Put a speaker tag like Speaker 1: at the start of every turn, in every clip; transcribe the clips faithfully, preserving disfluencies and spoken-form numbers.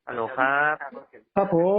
Speaker 1: ฮัลโหลครับ
Speaker 2: ครับผม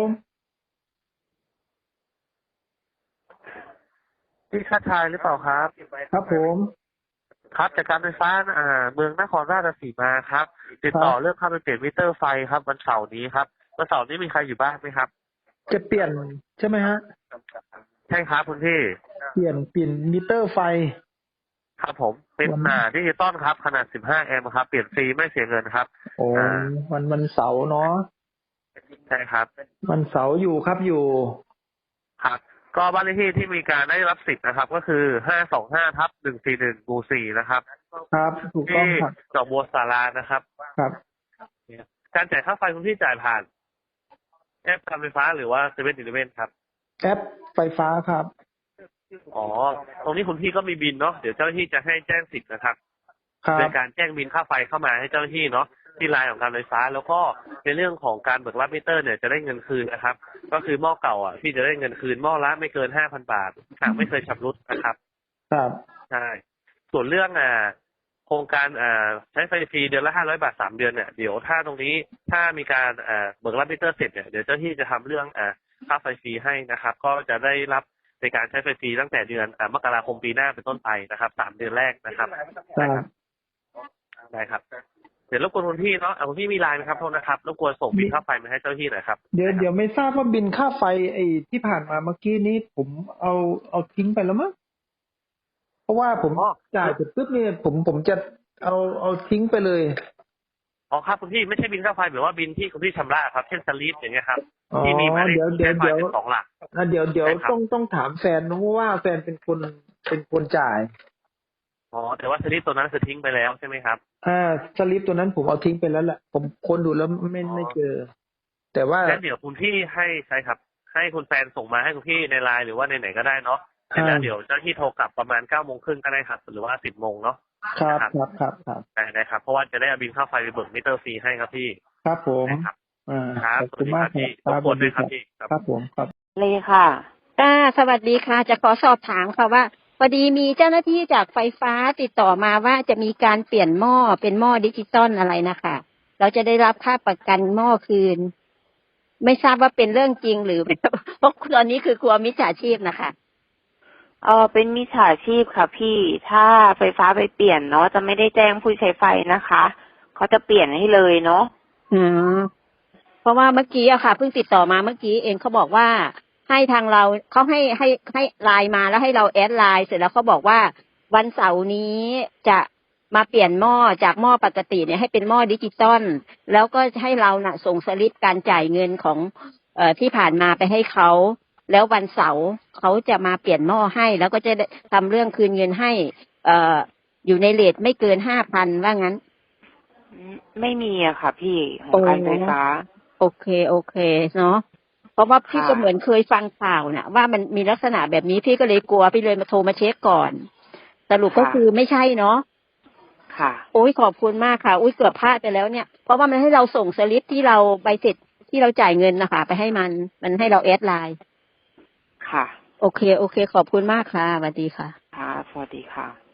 Speaker 1: พี่ชาติชายหรือเปล่าครับ
Speaker 2: ครับผม
Speaker 1: ครับจากการไฟฟ้าอ่าเมืองนครราชสีมาครับติดต่อเรื่อง
Speaker 2: ครับ
Speaker 1: เข้าไปเปลี่ยนมิเตอร์ไฟครับวันเสาร์นี้ครับวันเสาร์นี้มีใครอยู่บ้านไหมครับ
Speaker 2: จะเปลี่ยนใช่ไหมฮะ
Speaker 1: ใช่ครับคุณพี่
Speaker 2: เปลี่ยนเปลี่ยนมิเตอร์ไฟ
Speaker 1: ครับผมเป็น
Speaker 2: วัน
Speaker 1: อ่าดิจิตอลครับขนาดสิบห้าแอมป์ครับเปลี่ยนฟรีไม่เสียเงินครับ
Speaker 2: โอ้
Speaker 1: อ่า
Speaker 2: วันวันเสาร์เนาะ
Speaker 1: ใช่ครับ
Speaker 2: วันเสาร์อยู่ครับอยู่
Speaker 1: ครับก็บ้านเลขที่ที่มีการได้รับสิทธิ์นะครับ ก็คือห้าสองห้าทับหนึ่งสี่หนึ่งหมู่สี่นะครับ
Speaker 2: ครับถูกต้อ
Speaker 1: ที่
Speaker 2: งครับ
Speaker 1: ดอกบัวสารานะครับ
Speaker 2: ครับ
Speaker 1: การจ่ายค่าไฟคุณพี่จ่ายผ่านแอปการไฟฟ้าหรือว่าเซเว่นอีเลฟเว่นครับ
Speaker 2: แอปไฟฟ้าครับ
Speaker 1: อ๋อ ตรงนี้คุณพี่ก็มีบินเนาะ เดี๋ยวเจ้าหน้าที่จะให้แจ้งสิทธิ์นะครับ
Speaker 2: ครั
Speaker 1: โด
Speaker 2: บ
Speaker 1: ยการแจ้งบินค่าไฟเข้ามาให้เจ้าหน้าที่เนาะที่ไลน์ของการไฟฟ้า แล้วก็ในเรื่องของการเบิกรับมิเตอร์เนี่ยจะได้เงินคืนนะครับ ก็คือหม้อเก่าอ่ะพี่จะได้เงินคืนหม้อละไม่เกินห้าพันบาทหากไม่เคยชำรุดนะครับ
Speaker 2: ครับ
Speaker 1: ใช่ ส่วนเรื่องอ่าโครงการอ่าใช้ไฟฟรีเดือนละห้าร้อยบาทสามเดือนเนี่ยเดี๋ยวถ้าตรงนี้ถ้ามีการอ่าเบิกรับมิเตอร์เสร็จเนี่ยเดี๋ยวเจ้าหน้าที่จะทำเรื่องอ่าค่าไฟฟรีให้นะครับ ก็จะได้รับในการใช้ไฟฟรีตั้งแต่เดือนอ่ามกราคมปีหน้าเป็นต้นไปนะครับสามเดือนแรกนะครับ
Speaker 2: ครับ
Speaker 1: ได้ครับเดี๋ยวรบกวนคุณพี่เนาะอ่าคุณพี่มีไลน์ไหมครับโทษนะครับรบกวนส่งบิลค่าไฟมาให้เจ้าหน้าที่หน่อยครับ
Speaker 2: เดี๋ยวเดี๋ยวไม่ทราบว่าบินค่าไฟไอ้ที่ผ่านมาเมื่อกี้นี้ผมเอาเอาทิ้งไปแล้วมั้งเพราะว่าผม
Speaker 1: อ๋อ
Speaker 2: จ่ายเสร็จปุ๊บเนี่ยผมผมจะเอาเอาทิ้งไปเลย
Speaker 1: อ๋อครับคุณพี่ไม่ใช่บิลค่าไฟหรือว่าบิลที่คุณพี่ชำระครับเช่นสลิปอย่างเงี้ยครับ
Speaker 2: อ๋อ
Speaker 1: ที่มีหมายเลข
Speaker 2: เดี๋ยวเดี๋ยว
Speaker 1: ใช้ไฟ
Speaker 2: เดี๋ยว
Speaker 1: เป็นสองหลัก
Speaker 2: อ่ะเดี๋ยวเดี๋ยว
Speaker 1: ใช่ครับ
Speaker 2: ต้องต้องถามแฟนนะเพราะว่าแฟนเป็นคนเป็นคนจ่าย
Speaker 1: อ๋อแต่ว่าสลิปตัวนั้นคือทิ้งไปแล้วใช่ไหมครับ
Speaker 2: อ่าสลิปตัวนั้นผมเอาทิ้งไปแล้วแหละผมค้นดูแล้วไม่
Speaker 1: อ๋อ
Speaker 2: ไม่เจอ แต่ว่า
Speaker 1: งั้นเดี๋ยวคุณพี่ให้ใช่ครับให้คุณแฟนส่งมาให้คุณพี่ในไลน์หรือว่าในไหนก็ได้เนาะเสร็จ
Speaker 2: อ่า
Speaker 1: แล้วเดี๋ยวเจ้าหน้าที่โทรกลับประมาณเก้าโมงครึ่งก็ได้ครับหรือว่าสิบโมงเนาะ
Speaker 2: ครับ
Speaker 1: นะครับ
Speaker 2: ครับครับครับ
Speaker 1: ได้ได้ครับเพราะว่าจะได้เอาบิลค่าไฟไปเบิกมิเตอร์ฟรีให้ครับพี่
Speaker 2: ครับผม
Speaker 1: นะครับ
Speaker 2: อ่า
Speaker 1: ครับส
Speaker 2: ขอบคุณ
Speaker 1: วัสดีครับพี่
Speaker 2: มากครับค
Speaker 1: รบกวนด้วย
Speaker 2: รับสวัสดีครับ
Speaker 1: ครับพี่ครับ
Speaker 2: ครับผมครับ
Speaker 3: เลยค่ะค่ะสวัสดีค่ะ จะขอสอบถามค่ะว่าพอดีมีเจ้าหน้าที่จากไฟฟ้าติดต่อมาว่าจะมีการเปลี่ยนหม้อเป็นหม้อดิจิตอลอะไรนะคะเราจะได้รับค่าประกันหม้อคืน ไม่ทราบว่าเป็นเรื่องจริงหรือ เพราะตอนนี้คือกลัวมิจฉาชีพนะคะ
Speaker 4: เออเป็นมิจฉาชีพค่ะพี่ ถ้าไฟฟ้าไปเปลี่ยนเนาะจะไม่ได้แจ้งผู้ใช้ไฟนะคะ เขาจะเปลี่ยนให้เลยเนาะ
Speaker 3: อืมเพราะว่าเมื่อกี้อะค่ะเพิ่งติดต่อมาเมื่อกี้เองเขาบอกว่าให้ทางเราเขาให้ให้ให้ไลน์มาแล้วให้เราแอดไลน์เสร็จแล้วเขาบอกว่าวันเสาร์นี้จะมาเปลี่ยนหม้อจากหม้อปกติเนี่ยให้เป็นหม้อดิจิตอลแล้วก็ให้เราน่ะส่งสลิปการจ่ายเงินของเอ่อที่ผ่านมาไปให้เขาแล้ววันเสาร์เขาจะมาเปลี่ยนหม้อให้ แล้วก็จะทำเรื่องคืนเงินให้ เอ่ออยู่ในเรทไม่เกินห้าพันว่างั้น
Speaker 4: ไม่มีอะค่ะพี่ขอ
Speaker 3: โอ้
Speaker 4: งการไฟฟ้า
Speaker 3: โอเคโอเคเนาะเพราะว่าพี่
Speaker 4: ค่ะ
Speaker 3: ก็เหมือนเคยฟังข่าวน่ะว่ามันมีลักษณะแบบนี้พี่ก็เลยกลัวพี่เลยมาโทรมาเช็คก่อนสรุปก็
Speaker 4: ค่ะ
Speaker 3: คือไม่ใช่เนาะ
Speaker 4: ค่ะ
Speaker 3: โอ้ยขอบคุณมากค่ะอุ้ยเกือบพลาดไปแล้วเนี่ยเพราะว่ามันให้เราส่งสลิปที่เราใบเสร็จที่เราจ่ายเงินนะคะไปให้มันมันให้เราแอดไลน์
Speaker 4: ค่ะ
Speaker 3: โอเคโอเคขอบคุณมากค่ะสวัสดีค่ะ
Speaker 4: ค่ะสวัสดีค่ะ